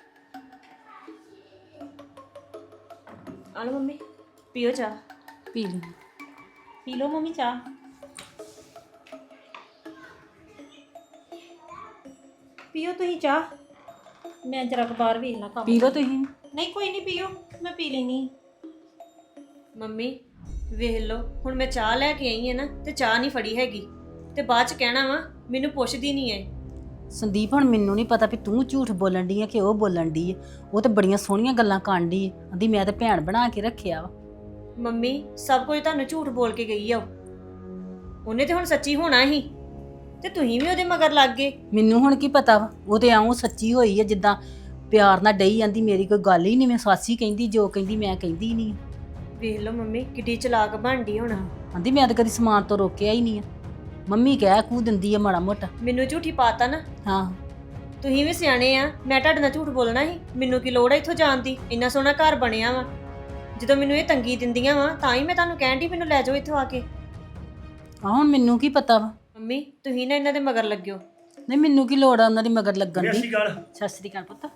Speaker 2: ਆ ਲਓ ਮੰਮੀ, ਪੀਓ ਚਾਹ।
Speaker 5: ਪੀ ਲਈ।
Speaker 1: ਪੀ ਲਓ ਮੰਮੀ ਚਾਹ। ਪੀਓ ਤੁਸੀਂ ਚਾਹ, ਮੈਂ ਜਰਾ ਬਾਹਰ ਵੇਖ ਲਾਂ ਕੰਮ।
Speaker 5: ਪੀ ਲਓ ਤੁਸੀਂ।
Speaker 1: ਨਹੀਂ ਕੋਈ ਨਹੀਂ, ਪੀਓ, ਮੈਂ ਪੀ ਲੈਣੀ।
Speaker 2: ਮੰਮੀ ਵੇਖ ਲਓ, ਹੁਣ ਮੈਂ ਚਾਹ ਲੈ ਕੇ ਆਈ ਹਾਂ ਨਾ ਤੇ ਚਾਹ ਨਹੀਂ ਫੜੀ ਹੈਗੀ ਤੇ ਬਾਅਦ ਚ ਕਹਿਣਾ ਵਾ ਮੈਨੂੰ ਪੁੱਛਦੀ ਨਹੀਂ ਐ।
Speaker 5: ਸੰਦੀਪ ਹੁਣ ਮੈਨੂੰ ਨਹੀਂ ਪਤਾ ਵੀ ਤੂੰ ਝੂਠ ਬੋਲਣ ਦੀ ਹੈ ਕਿ ਉਹ ਬੋਲਣ ਦੀ ਹੈ। ਉਹ ਤੇ ਬੜੀਆਂ ਸੋਹਣੀਆਂ ਗੱਲਾਂ ਕਰਨ ਦੀ ਹੈ, ਆਂਦੀ ਮੈਂ ਤੇ ਭੈਣ ਬਣਾ ਕੇ ਰੱਖਿਆ ਵਾ।
Speaker 2: ਮੰਮੀ ਸਭ ਕੁਝ ਤੁਹਾਨੂੰ ਝੂਠ ਬੋਲ ਕੇ ਗਈ ਆ ਉਹ। ਉਹਨੇ ਤੇ ਹੁਣ ਸੱਚੀ ਹੋਣਾ ਹੀ ਤੇ ਤੁਸੀਂ ਵੀ ਉਹਦੇ ਮਗਰ ਲੱਗ ਗਏ।
Speaker 5: ਮੈਨੂੰ ਹੁਣ ਕੀ ਪਤਾ ਵਾ, ਉਹ ਤੇ ਆਉਂ ਸੱਚੀ ਹੋਈ ਹੈ, ਜਿੱਦਾਂ ਪਿਆਰ ਨਾਲ ਡਈ ਜਾਂਦੀ। ਮੇਰੀ ਕੋਈ ਗੱਲ ਹੀ ਨਹੀਂ, ਮੈਂ ਸਾਸੀ ਕਹਿੰਦੀ ਜੋ ਕਹਿੰਦੀ ਮੈਂ ਕਹਿੰਦੀ ਨਹੀਂ।
Speaker 2: ਵੇਖ ਲਓ ਮੰਮੀ ਕਿੱਡੀ ਚਲਾਕ ਬਣਦੀ ਹੁਣ।
Speaker 5: ਆਂਦੀ ਮੈਂ ਤਾਂ ਕਦੀ ਸਮਾਨ ਤੋਂ ਰੋਕਿਆ ਹੀ ਨਹੀਂ ਆ। ਮੰਮੀ ਕਹਿ ਕੂ ਦਿੰਦੀ ਆ ਮਾੜਾ ਮੋਟਾ।
Speaker 2: ਮੈਨੂੰ ਝੂਠੀ ਪਾਤਾ ਨਾ।
Speaker 5: ਹਾਂ
Speaker 2: ਤੁਸੀਂ ਵੀ ਸਿਆਣੇ ਆ, ਮੈਂ ਤੁਹਾਡੇ ਨਾਲ ਝੂਠ ਬੋਲਣਾ ਸੀ? ਮੈਨੂੰ ਕੀ ਲੋੜ ਆ ਇੱਥੋਂ ਜਾਣ ਦੀ? ਇੰਨਾ ਸੋਹਣਾ ਘਰ ਬਣਿਆ ਵਾ। ਜਦੋਂ ਮੈਨੂੰ ਇਹ ਤੰਗੀ ਦਿੰਦੀਆਂ ਵਾ ਤਾਂ ਹੀ ਮੈਂ ਤੁਹਾਨੂੰ ਕਹਿਣ ਦੀ ਮੈਨੂੰ ਲੈ ਜਾਓ ਇੱਥੋਂ ਆ ਕੇ।
Speaker 5: ਆ ਹੁਣ ਮੈਨੂੰ ਕੀ ਪਤਾ ਵਾ।
Speaker 2: ਮੰਮੀ ਤੁਸੀਂ ਨਾ ਇਹਨਾਂ ਦੇ ਮਗਰ ਲੱਗਿਓ।
Speaker 5: ਨਹੀਂ ਮੈਨੂੰ ਕੀ ਲੋੜ ਆ ਉਹਨਾਂ ਦੀ ਮਗਰ ਲੱਗਣ
Speaker 6: ਸਤਿ
Speaker 5: ਦੀ।
Speaker 6: ਸ਼੍ਰੀ ਅਕਾਲ।
Speaker 5: ਸਤਿ ਸ੍ਰੀ ਅਕਾਲ ਪੁੱਤ।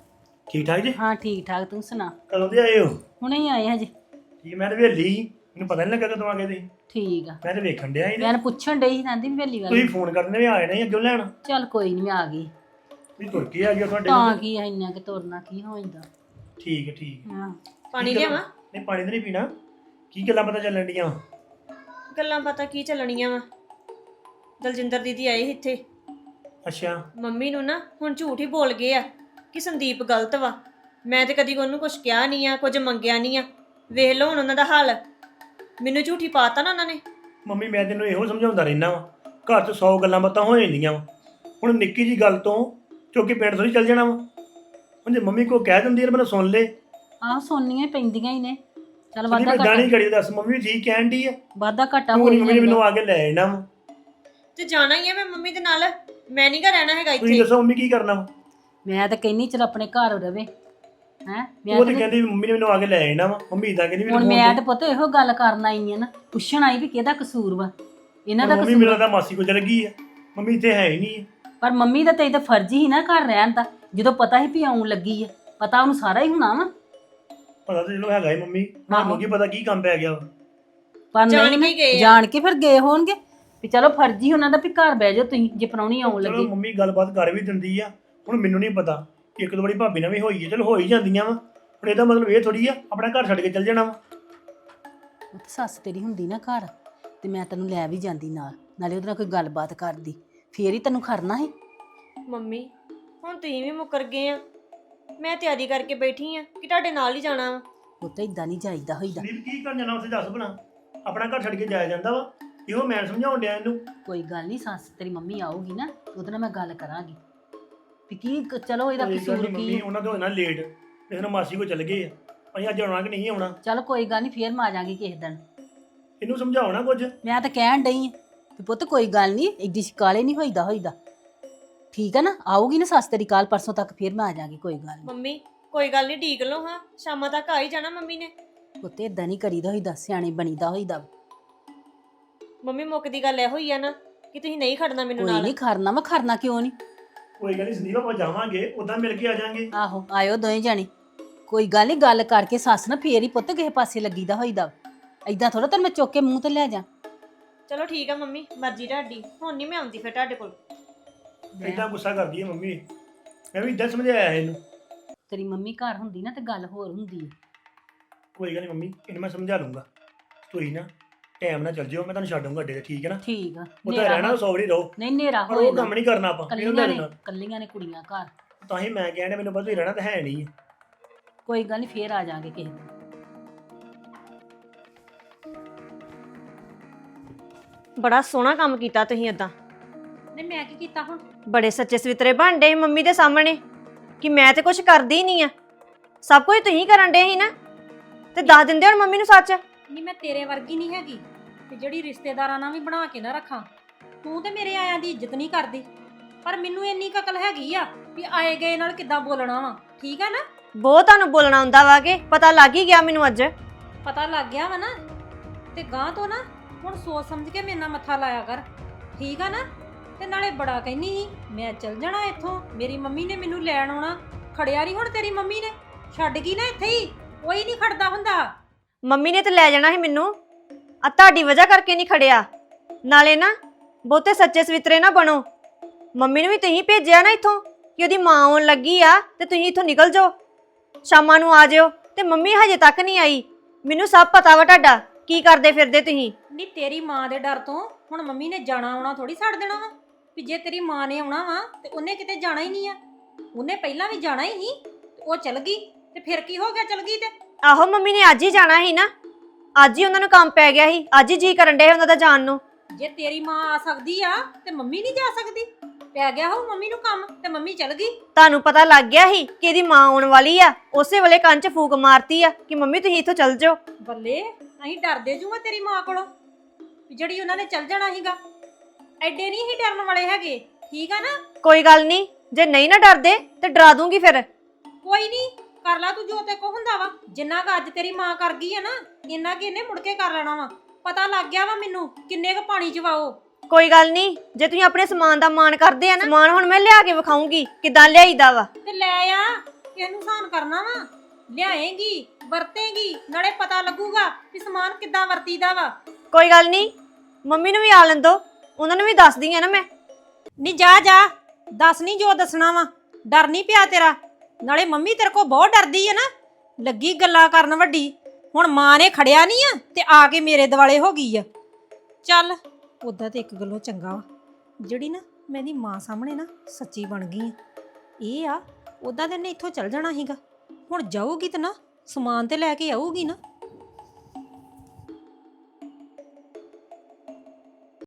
Speaker 6: ਠੀਕ ਠਾਕ ਜੀ?
Speaker 5: ਹਾਂ ਠੀਕ ਠਾਕ, ਤੂੰ ਸੁਣਾ?
Speaker 6: ਕਦੋਂ ਦੇ ਆਏ ਹੋ?
Speaker 5: ਹੁਣੇ ਹੀ ਆਏ ਹਜੇ।
Speaker 6: ਠੀਕ, ਮੈਂ ਤਾਂ ਵੇਲੀ ਸੀ, ਮੈਨੂੰ ਪਤਾ ਨਹੀਂ ਲੱਗਾ ਕਦੋਂ ਆ ਗਏ ਤੁਸੀਂ।
Speaker 5: ਠੀਕ ਆ,
Speaker 6: ਮੈਂ ਤਾਂ ਵੇਖਣ ਡਿਆ ਸੀ
Speaker 5: ਮੈਂ ਉਹਨੂੰ ਪੁੱਛਣ ਡਈ ਸੀ, ਕਹਿੰਦੀ ਵੇਲੀ
Speaker 6: ਤੁਸੀਂ
Speaker 5: ਵਾਲੀ।
Speaker 6: ਫੋਨ ਕਰਨੇ ਵੀ ਆਏ ਨਹੀਂ ਅੱਗੇ ਲੈਣ।
Speaker 5: ਚੱਲ ਕੋਈ ਨਹੀਂ, ਮੈਂ ਆ ਗਈ।
Speaker 6: ਤੁਸੀਂ ਤੁਰ ਕੇ ਆ ਗਏ ਤੁਹਾਡੇ
Speaker 5: ਤਾਂ
Speaker 6: ਕੋਲ।
Speaker 5: ਕੀ ਆ, ਇੰਨਾ ਕਿ ਤੁਰਨਾ ਕੀ ਹੋ ਜਾਂਦਾ।
Speaker 6: ਠੀਕ ਹੈ ਠੀਕ ਹੈ।
Speaker 5: ਹਾਂ
Speaker 2: ਪਾਣੀ
Speaker 6: ਕੀ ਗੱਲ-
Speaker 2: ਲਿਆਵਾਂ?
Speaker 6: ਨਹੀਂ ਪਾਣੀ ਤਾਂ ਨਹੀਂ ਪੀਣਾ। ਕੀ ਗੱਲਾਂ ਪਤਾ ਚੱਲਣ ਡੀਆਂ?
Speaker 2: ਗੱਲਾਂ ਪਤਾ ਕੀ ਚੱਲਣੀਆਂ ਵਾ। ਦਲਜਿੰਦਰ ਦੀਦੀ ਆਏ ਸੀ ਇੱਥੇ,
Speaker 6: ਅੱਛਾ।
Speaker 2: ਮੰਮੀ ਨੂੰ ਨਾ ਹੁਣ ਝੂਠ ਹੀ ਬੋਲ ਗਏ ਆ ਕਿ ਸੰਦੀਪ ਗਲਤ ਵਾ। ਮੈਂ ਤੇ ਕਦੀ ਉਹਨੂੰ ਕੁਝ ਕਿਹਾ ਨਹੀਂ ਆ, ਕੁਝ ਮੰਗਿਆ ਨਹੀਂ ਆ। ਵੇਖ ਲਓ ਹੁਣ ਉਹਨਾਂ ਦਾ ਹਾਲ, ਮੈਨੂੰ ਝੂਠੀ ਪਾਤਾ ਨਾ ਉਹਨਾਂ ਨੇ।
Speaker 6: ਮੰਮੀ ਮੈਂ ਤੈਨੂੰ ਇਹੋ ਸਮਝਾਉਂਦਾ ਰਹਿਣਾ ਵਾ, ਘਰ 'ਚ ਸੌ ਗੱਲਾਂ ਬਾਤਾਂ ਹੋ ਜਾਂਦੀਆਂ ਵਾ। ਹੁਣ ਨਿੱਕੀ ਜੀ ਗੱਲ ਤੋਂ ਚੁੱਕ ਕੇ ਪਿੰਡ ਥੋੜੀ ਚੱਲ ਜਾਣਾ ਵਾ। ਹੁਣ ਜੇ ਮੰਮੀ ਕੋ ਕਹਿ ਦਿੰਦੀ ਹੈ ਮੈਨੂੰ ਸੁਣ ਲੈ।
Speaker 5: ਆਹ ਸੋਨੀਆਂ ਹੀ ਪੈਂਦੀਆਂ ਹੀ ਨੇ। ਚੱਲ
Speaker 6: ਨਹੀਂ
Speaker 5: ਵਾਧਾ
Speaker 6: ਮੈਂ ਦਾਣੀ
Speaker 5: ਘਾਟਾ
Speaker 6: ਕਰੀ ਦੱਸ, ਮੰਮੀ ਵੀ ਠੀਕ ਕਹਿਣ ਡਈ ਆ।
Speaker 5: ਵਾਧਾ ਘਾਟਾ
Speaker 6: ਤੂੰ
Speaker 5: ਹੋ
Speaker 6: ਨੀ ਮੰਮੀ ਨੇ ਮੈਨੂੰ
Speaker 5: ਜਾਂਦਾ।
Speaker 6: ਆ ਕੇ ਲੈ ਜਾਣਾ ਵਾ।
Speaker 2: ਤੇ ਜਾਣਾ ਹੀ ਆ ਮੈਂ ਮੰਮੀ ਦੇ ਨਾਲ, ਮੈਂ ਨਹੀਂ ਘਰ ਰਹਿਣਾ ਹੈਗਾ
Speaker 6: ਤੁਸੀਂ
Speaker 2: ਇੱਥੇ।
Speaker 6: ਦੱਸੋ ਮੰਮੀ ਕੀ ਕਰਨਾ ਵਾ?
Speaker 5: ਮੈਂ ਤਾਂ ਕਹਿੰਨੀ ਚਲ ਆਪਣੇ ਘਰ ਰਵੇ ਹੈ।
Speaker 6: ਉਹ ਤੇ ਕਹਿੰਦੀ ਵੀ ਮੰਮੀ ਨੇ ਮੈਨੂੰ ਆ ਕੇ ਲੈ ਜਾਣਾ ਵਾ। ਮੰਮੀ ਇਦਾਂ ਕਹਿੰਦੀ
Speaker 5: ਹੁਣ
Speaker 6: ਮੈਨੂੰ
Speaker 5: ਮੈਂ
Speaker 6: ਫੋਨ
Speaker 5: ਤਾਂ ਪੁੱਤ ਇਹੋ ਗੱਲ ਕਰਨ ਆਈ ਆ ਨਾ, ਪੁੱਛਣ ਆਈ ਵੀ ਕਿਹਦਾ ਕਸੂਰ ਵਾ। ਇਹਨਾਂ ਦਾ
Speaker 6: ਮੰਮੀ
Speaker 5: ਕਸੂਰ
Speaker 6: ਮੇਰਾ ਤਾਂ ਮਾਸੀ ਕੋ ਚਲ ਗਈ ਆ, ਮੰਮੀ ਇੱਥੇ ਹੈ ਹੀ ਨਹੀਂ।
Speaker 5: ਪਰ ਮੰਮੀ ਦਾ ਤੇ ਤਾਂ ਫਰਜ਼ ਹੀ ਨਾ ਘਰ ਰਹਿਣ ਦਾ, ਜਦੋਂ ਪਤਾ ਹੀ ਵੀ ਆਉਣ ਲੱਗੀ ਆ। ਪਤਾ ਉਹਨੂੰ ਸਾਰਾ ਹੀ ਹੋਣਾ ਵਾ।
Speaker 6: ਪਤਾ ਤਾਂ ਚਲੋ ਹੈਗਾ ਹੀ ਮੰਮੀ,
Speaker 5: ਆਹੋ।
Speaker 6: ਮੈਨੂੰ ਕੀ ਪਤਾ ਕੀ ਕੰਮ ਪੈ ਗਿਆ ਵਾ।
Speaker 5: ਪਰ
Speaker 2: ਜਾਣ
Speaker 5: ਨਹੀਂ
Speaker 2: ਕੇ ਗਏ ਆ।
Speaker 5: ਜਾਣ ਕੇ ਫਿਰ ਗਏ ਹੋਣਗੇ ਵੀ ਚਲੋ ਫਰਜ਼ ਹੀ ਉਹਨਾਂ ਦਾ ਵੀ ਘਰ ਬਹਿ ਜਾਓ ਤੁਸੀਂ, ਜੇ ਪ੍ਰਾਹੁਣੀ ਆਉਣ
Speaker 6: ਚਲੋ
Speaker 5: ਲੱਗੀ।
Speaker 6: ਮੰਮੀ ਗੱਲਬਾਤ ਕਰ ਵੀ ਦਿੰਦੀ ਆ। ਹੁਣ ਮੈਨੂੰ ਨਹੀਂ ਪਤਾ ਕਿ ਇੱਕ ਦੋ ਵਾਰੀ ਭਾਬੀ ਨਾਲ ਵੀ ਹੋਈ ਹੈ, ਚਲੋ ਹੋ ਹੀ ਜਾਂਦੀਆਂ ਵਾ। ਹੁਣ ਇਹਦਾ ਮਤਲਬ ਇਹ ਥੋੜੀ ਆ ਆਪਣਾ ਘਰ ਛੱਡ ਕੇ ਚੱਲ ਜਾਣਾ ਵਾ।
Speaker 5: ਉਹ ਤੇ ਸੱਸ ਤੇਰੀ ਹੁੰਦੀ ਨਾ ਘਰ, ਤੇ ਮੈਂ ਤੈਨੂੰ ਲੈ ਵੀ ਜਾਂਦੀ ਨਾਲ, ਨਾਲੇ ਉਹਦੇ ਨਾਲ ਕੋਈ ਗੱਲਬਾਤ ਕਰਦੀ, ਫੇਰ ਹੀ ਤੈਨੂੰ ਖੜਨਾ ਸੀ।
Speaker 2: ਮੰਮੀ ਹੁਣ ਤੁਸੀਂ ਵੀ ਮੁੱਕਰ ਗਏ ਆ। ਮੈਂ ਤਿਆਰੀ ਕਰਕੇ ਬੈਠੀ ਆ ਕਿ ਤੁਹਾਡੇ ਨਾਲ ਹੀ ਜਾਣਾ ਵਾ।
Speaker 5: ਉਹ ਤਾਂ ਇਦਾਂ ਨਹੀਂ ਜਾਈਦਾ ਹੋਈਦਾ।
Speaker 6: ਸੰਦੀਪ ਕੀ ਕਰਨ ਜਾਣਾ ਉੱਥੇ ਦੱਸ ਭਲਾ? ਆਪਣਾ ਘਰ ਛੱਡ ਕੇ ਜਾਇਆ ਜਾਂਦਾ ਵਾ। ਇਹੋ ਮੈਂ ਸਮਝਾਉਣ ਡਿਆ ਇਹਨੂੰ।
Speaker 5: ਕੋਈ ਗੱਲ ਨਹੀਂ, ਸੱਸ ਤੇਰੀ ਮੰਮੀ ਆਊਗੀ ਨਾ ਤੇ ਉਹਦੇ ਨਾਲ ਮੈਂ ਗੱਲ ਕਰਾਂਗੀ ਵੀ ਕੀ ਕ- ਚਲੋ ਇਹਦਾ
Speaker 6: ਕੋਈ ਗੱਲ
Speaker 5: ਕਸੂਰ
Speaker 6: ਨੀ
Speaker 5: ਕੀ
Speaker 6: ਮੰਮੀ,
Speaker 5: ਆ।
Speaker 6: ਉਹਨਾਂ ਤੋਂ ਹੋਣਾ ਲੇਟ, ਇਸ ਨੂੰ ਮਾਸੀ ਕੋ ਚੱਲ ਗਏ ਆ। ਅਸੀਂ ਅੱਜ ਆਉਣਾ ਕਿ ਨਹੀਂ ਆਉਣਾ?
Speaker 5: ਚੱਲ ਕੋਈ ਗੱਲ ਨਹੀਂ, ਫੇਰ ਮੈਂ ਆ ਜਾਾਂਗੀ ਕਿਸੇ ਦਿਨ।
Speaker 6: ਇਹਨੂੰ ਸਮਝਾਉਣਾ ਕੁਝ।
Speaker 5: ਮੈਂ ਤਾਂ ਕਹਿਣ ਡਈ ਆ ਵੀ ਪੁੱਤ ਕੋਈ ਗੱਲ ਨਹੀਂ, ਇੱਡੀ ਸ਼ਿਕਾਲੇ ਨਹੀਂ ਹੋਈਦਾ ਹੋਈਦਾ। ਠੀਕ ਆ ਨਾ, ਆਊਗੀ ਨਾ ਸੱਸ ਤੇਰੀ ਕੱਲ ਪਰਸੋਂ ਤੱਕ, ਫੇਰ ਮੈਂ ਆ ਜਾਾਂਗੀ। ਕੋਈ ਗੱਲ ਨਹੀਂ
Speaker 2: ਮੰਮੀ ਕੋਈ ਗੱਲ ਨਹੀਂ, ਢੀਕ ਲਓ ਹਾਂ, ਸ਼ਾਮਾਂ ਤੱਕ ਆ ਹੀ ਜਾਣਾ ਮੰਮੀ ਨੇ।
Speaker 5: ਪੁੱਤ ਏਦਾਂ ਨਹੀਂ ਕਰੀਦਾ ਹੋਈਦਾ, ਸਿਆਣੇ ਬਣੀਦਾ ਹੋਈਦਾ।
Speaker 2: ਮੰਮੀ ਮੁੱਕ ਦੀ ਗੱਲ ਇਹੋ ਹੀ ਆ ਨਾ ਕਿ ਤੁਸੀਂ ਨਹੀਂ ਖੜਨਾ ਮੈਨੂੰ
Speaker 5: ਕੋਈ
Speaker 2: ਨਾਲ।
Speaker 5: ਨਹੀਂ ਖਰਨਾ, ਮੈਂ ਖਰਨਾ ਕਿਉਂ ਨਹੀਂ।
Speaker 6: ਕੋਈ ਗੱਲ ਨਹੀਂ ਸੰਦੀਪ, ਆਪਾਂ ਜਾਵਾਂਗੇ ਉਦਾਂ ਮਿਲ ਕੇ ਆ ਜਾਾਂਗੇ।
Speaker 5: ਆਹੋ ਆਇਓ ਦੋਵੇਂ ਜਾਣੇ। ਕੋਈ ਗੱਲ ਨਹੀਂ, ਗੱਲ ਕਰਕੇ ਸੱਸ ਨਾ ਫੇਰ ਹੀ ਪੁੱਤ ਕਿਸੇ ਪਾਸੇ ਲੱਗੀਦਾ ਹੋਈਦਾ। ਏਦਾਂ ਥੋੜਾ ਤੈਨੂੰ ਮੈਂ ਚੁੱਕ ਕੇ ਮੂੰਹ ਤੇ ਲੈ ਜਾ।
Speaker 2: ਚਲੋ ਠੀਕ ਆ ਮੰਮੀ, ਮਰਜ਼ੀ ਤੁਹਾਡੀ। ਹੁਣ ਨਹੀਂ ਮੈਂ ਆਉਂਦੀ ਫਿਰ ਤੁਹਾਡੇ ਕੋਲ।
Speaker 6: ਏਦਾਂ ਗੁੱਸਾ ਕਰਦੀ ਹੈ ਮੰਮੀ। ਮੈਂ ਵੀ ਇਦਾਂ ਸਮਝਾਇਆ ਇਹਨੂੰ।
Speaker 5: ਤੇਰੀ ਮੰਮੀ ਘਰ ਹੁੰਦੀ ਨਾ ਤੇ ਗੱਲ ਹੋਰ ਹੁੰਦੀ ਹੈ।
Speaker 6: ਕੋਈ ਗੱਲ ਨਹੀਂ ਮੰਮੀ, ਇਹਨੂੰ ਮੈਂ ਸਮਝਾ ਲੂੰਗਾ। ਤੁਸੀਂ ਨਾ ਟਾਈਮ ਨਾਲ ਚੱਲ ਜਿਓ, ਮੈਂ ਤੁਹਾਨੂੰ ਛੱਡੂੰਗਾ ਅੱਡੇ ਤੇ, ਠੀਕ ਹੈ ਨਾ?
Speaker 5: ਠੀਕ ਆ।
Speaker 6: ਉਹ ਤਾਂ ਰਹਿਣਾ ਸੌਰੀ ਰਹੋ,
Speaker 5: ਨਹੀਂ ਨੇਰਾ
Speaker 6: ਪਰ
Speaker 5: ਹੋਏ
Speaker 6: ਉਹ ਕੰਮ ਨਹੀਂ ਕਰਨਾ ਆਪਾਂ ਇਹਨੂੰ
Speaker 5: ਕੱਲੀਆਂ
Speaker 6: ਲੈ
Speaker 5: ਨੇ
Speaker 6: ਲੈਣਾ।
Speaker 5: ਕੱਲੀਆਂ ਨੇ ਕੁੜੀਆਂ ਘਰ।
Speaker 6: ਤਾਂ ਹੀ ਮੈਂ ਕਹਿੰਦਾ ਮੈਨੂੰ ਪਤਾ ਤੁਸੀਂ ਰਹਿਣਾ ਤਾਂ ਹੈ ਨਹੀਂ।
Speaker 5: ਕੋਈ ਗੱਲ ਨਹੀਂ, ਫੇਰ ਆ ਜਾਾਂਗੇ ਕਿਸੇ ਦਿਨ।
Speaker 2: ਬੜਾ ਸੋਹਣਾ ਕੰਮ ਕੀਤਾ ਤੁਸੀਂ ਏਦਾਂ।
Speaker 1: ਨਹੀਂ ਮੈਂ ਕੀ ਕੀਤਾ ਹੁਣ?
Speaker 2: ਬੜੇ ਸੱਚੇ ਸਵਿਤਰੇ ਬਣ ਡੇ ਮੰਮੀ ਦੇ ਸਾਹਮਣੇ ਕਿ ਮੈਂ ਤੇ ਕੁਝ ਕਰਦੀ ਨਹੀਂ ਆ, ਸਭ ਕੁਝ ਤੁਸੀਂ ਕਰਨ ਡੇ ਸੀ ਨਾ। ਤੇ ਦੱਸ ਦਿੰਦੇ ਹੁਣ ਮੰਮੀ ਨੂੰ ਸੱਚ।
Speaker 1: ਨਹੀਂ ਮੈਂ ਤੇਰੇ ਵਰਗੀ ਨਹੀਂ ਹੈਗੀ ਤੇ ਜਿਹੜੀ ਰਿਸ਼ਤੇਦਾਰਾਂ ਨਾਲ ਵੀ ਬਣਾ ਕੇ ਨਾ ਰੱਖਾਂ। ਤੂੰ ਤੇ ਮੇਰੇ ਆਇਆਂ ਦੀ ਇੱਜ਼ਤ ਨਹੀਂ ਕਰਦੀ, ਪਰ ਮੈਨੂੰ ਇੰਨੀ ਕੁ ਅਕਲ ਹੈਗੀ ਆ ਵੀ ਆਏ ਗਏ ਨਾਲ ਕਿੱਦਾਂ ਬੋਲਣਾ ਵਾ। ਠੀਕ ਆ ਨਾ?
Speaker 2: ਬਹੁਤ ਤੁਹਾਨੂੰ ਬੋਲਣਾ ਹੁੰਦਾ ਵਾ ਕਿ ਪਤਾ ਲੱਗ ਹੀ ਗਿਆ ਮੈਨੂੰ ਅੱਜ।
Speaker 1: ਪਤਾ ਲੱਗ ਗਿਆ ਵਾ ਨਾ, ਤੇ ਗਾਂ ਤੋਂ ਨਾ ਹੁਣ ਸੋਚ ਸਮਝ ਕੇ ਮੇਰੇ ਨਾਲ ਮੱਥਾ ਲਾਇਆ ਕਰ। ਠੀਕ ਆ ਨਾ? ਤੇ ਨਾਲੇ ਬੜਾ ਕਹਿੰਦੀ ਸੀ ਮੈਂ ਚੱਲ ਜਾਣਾ ਇੱਥੋਂ, ਮੇਰੀ ਮੰਮੀ ਨੇ ਮੈਨੂੰ ਲੈਣ ਆਉਣਾ। ਖੜਿਆ ਨਹੀਂ ਹੁਣ ਤੇਰੀ ਮੰਮੀ ਨੇ, ਛੱਡ ਗਈ ਨਾ ਇੱਥੇ ਹੀ। ਕੋਈ ਨਹੀਂ ਖੜਦਾ ਹੁੰਦਾ।
Speaker 2: ਮੰਮੀ ਨੇ ਤੇ ਲੈ ਜਾਣਾ ਸੀ ਮੈਨੂੰ, ਆ ਤੁਹਾਡੀ ਵਜ੍ਹਾ ਕਰਕੇ ਨਹੀਂ ਖੜਿਆ। ਨਾਲੇ ਨਾ ਬਹੁਤੇ ਸੱਚੇ ਸਵਿਤਰੇ ਨਾ ਬਣੋ। ਮੰਮੀ ਨੂੰ ਵੀ ਤੁਸੀਂ ਭੇਜਿਆ ਨਾ ਇੱਥੋਂ ਕਿ ਉਹਦੀ ਮਾਂ ਆਉਣ ਲੱਗੀ ਆ ਤੇ ਤੁਸੀਂ ਇੱਥੋਂ ਨਿਕਲ ਜਾਓ, ਸ਼ਾਮਾਂ ਨੂੰ ਆ ਜਾਓ। ਤੇ ਮੰਮੀ ਹਜੇ ਤੱਕ ਨਹੀਂ ਆਈ। ਮੈਨੂੰ ਸਭ ਪਤਾ ਵਾ ਤੁਹਾਡਾ ਕੀ ਕਰਦੇ ਫਿਰਦੇ ਤੁਸੀਂ।
Speaker 1: ਨਹੀਂ ਤੇਰੀ ਮਾਂ ਦੇ ਡਰ ਤੋਂ ਹੁਣ ਮੰਮੀ ਨੇ ਜਾਣਾ ਆਉਣਾ ਥੋੜੀ ਛੱਡ ਦੇਣਾ ਵਾ ਵੀ ਜੇ ਤੇਰੀ ਮਾਂ ਨੇ ਆਉਣਾ ਵਾ ਤੇ ਉਹਨੇ ਕਿਤੇ ਜਾਣਾ ਹੀ ਨਹੀਂ ਆ। ਉਹਨੇ ਪਹਿਲਾਂ ਵੀ ਜਾਣਾ ਹੀ ਸੀ ਤੇ ਉਹ ਚਲ ਗਈ, ਤੇ ਫਿਰ ਕੀ ਹੋ ਗਿਆ ਚਲ ਗਈ ਤੇ?
Speaker 2: ਆਹੋ ਮੰਮੀ ਨੇ ਅੱਜ ਹੀ ਜਾਣਾ ਸੀ ਨਾ, ਅੱਜ ਹੀ ਉਹਨਾਂ ਨੂੰ ਕੰਮ ਪੈ ਗਿਆ ਸੀ, ਅੱਜ ਹੀ ਜੀ ਕਰਨ ਡੇ ਉਹਨਾਂ ਦਾ ਜਾਣ ਨੂੰ।
Speaker 1: ਜੇ ਤੇਰੀ ਮਾਂ ਆ ਸਕਦੀ ਆ ਤੇ ਮੰਮੀ ਨਹੀਂ ਜਾ ਸਕਦੀ? ਪੈ ਗਿਆ ਹੋ ਮੰਮੀ ਨੂੰ ਕੰਮ ਤੇ ਮੰਮੀ ਚਲ ਗਈ।
Speaker 2: ਤੁਹਾਨੂੰ ਪਤਾ ਲੱਗ ਗਿਆ ਸੀ ਕਿ ਇਹਦੀ ਮਾਂ ਆਉਣ ਵਾਲੀ ਆ, ਉਸੇ ਵੇਲੇ ਕੰਨ 'ਚ ਫੂਕ ਮਾਰਤੀ ਆ ਕਿ ਮੰਮੀ ਤੁਸੀਂ ਇੱਥੋਂ ਚੱਲ ਜਾਓ।
Speaker 1: ਬੱਲੇ ਅਸੀਂ ਡਰਦੇ ਜੂਗਾ ਤੇਰੀ ਮਾਂ ਕੋਲੋਂ ਵੀ ਜਿਹੜੀ ਉਹਨਾਂ ਨੇ ਚੱਲ ਜਾਣਾ ਸੀਗਾ। ਐਡੇ ਨਹੀਂ ਹੀ ਡਰਨ ਵਾਲੇ ਹੈਗੇ। ਠੀਕ ਆ ਨਾ?
Speaker 2: ਕੋਈ ਗੱਲ ਨਹੀਂ, ਜੇ ਨਹੀਂ ਨਾ ਡਰਦੇ ਤੇ ਡਰਾ ਦੂੰਗੀ ਫਿਰ।
Speaker 1: ਕੋਈ ਨਹੀਂ, ਕਰ ਲਾ ਤੂੰ ਜੋ ਤੇ ਕੋ ਹੁੰਦਾ ਵਾ। ਜਿੰਨਾ ਕੁ ਅੱਜ ਤੇਰੀ ਮਾਂ ਕਰ ਗਈ ਆ ਨਾ, ਇੰਨਾ ਕਿ ਇਹਨੇ ਮੁੜ ਕੇ ਕਰ ਲੈਣਾ ਵਾ। ਪਤਾ ਲੱਗ ਗਿਆ ਵਾ ਮੈਨੂੰ ਕਿੰਨੇ ਕੁ ਪਾਣੀ ਚਵਾਓ।
Speaker 2: ਕੋਈ ਗੱਲ ਨਹੀਂ, ਜੇ ਤੁਸੀਂ ਆਪਣੇ ਸਮਾਨ ਦਾ ਮਾਣ ਕਰਦੇ ਆ ਨਾ, ਸਮਾਨ ਹੁਣ ਮੈਂ ਲਿਆ ਕੇ ਵਿਖਾਉਂਗੀ ਕਿਦਾਂ ਲਿਆਈਦਾ ਵਾ।
Speaker 1: ਤੇ ਲੈ ਆ, ਕਿਸ ਨੂੰ ਸਾਨ ਕਰਨਾ ਵਾ ਲਿਆਏਂਗੀ ਵਰਤੇਂਗੀ ਨਾਲੇ ਪਤਾ ਲੱਗੂਗਾ ਵੀ ਸਮਾਨ ਕਿੱਦਾਂ ਵਰਤੀਦਾ ਵਾ।
Speaker 2: ਕੋਈ ਗੱਲ ਨਹੀਂ, ਮੰਮੀ ਨੂੰ ਵੀ ਆ ਲੈਣ ਦੋ, ਉਹਨਾਂ ਨੂੰ ਵੀ ਦੱਸਦੀ ਆ ਨਾ ਮੈਂ।
Speaker 1: ਨਹੀਂ ਜਾ ਜਾ ਦੱਸ ਨਹੀਂ ਜੋ ਦੱਸਣਾ ਵਾ, ਡਰ ਨਹੀਂ ਪਿਆ ਤੇਰਾ। ਨਾਲੇ ਮੰਮੀ ਤੇਰੇ ਕੋ ਬਹੁਤ ਡਰਦੀ ਆ ਨਾ, ਲੱਗੀ ਗੱਲਾਂ ਕਰਨ ਵੱਡੀ। ਹੁਣ ਮਾਂ ਨੇ ਖੜਿਆ ਨਹੀਂ ਆ ਤੇ ਆ ਕੇ ਮੇਰੇ ਦਿਵਾਲੇ ਹੋ ਗਈ ਆ। ਚੱਲ ਉਦਾਂ ਤੇ ਇੱਕ ਗੱਲੋਂ ਚੰਗਾ ਵਾ ਜਿਹੜੀ ਨਾ ਮੈਂ ਇਹਦੀ ਮਾਂ ਸਾਹਮਣੇ ਨਾ ਸੱਚੀ ਬਣ ਗਈ ਆ। ਇਹ ਆ ਉਦਾਂ ਤੇ ਇਹਨੇ ਇੱਥੋਂ ਚੱਲ ਜਾਣਾ ਸੀਗਾ, ਹੁਣ ਜਾਊਗੀ ਤੇ ਨਾ ਸਮਾਨ ਤੇ ਲੈ ਕੇ ਆਊਗੀ ਨਾ।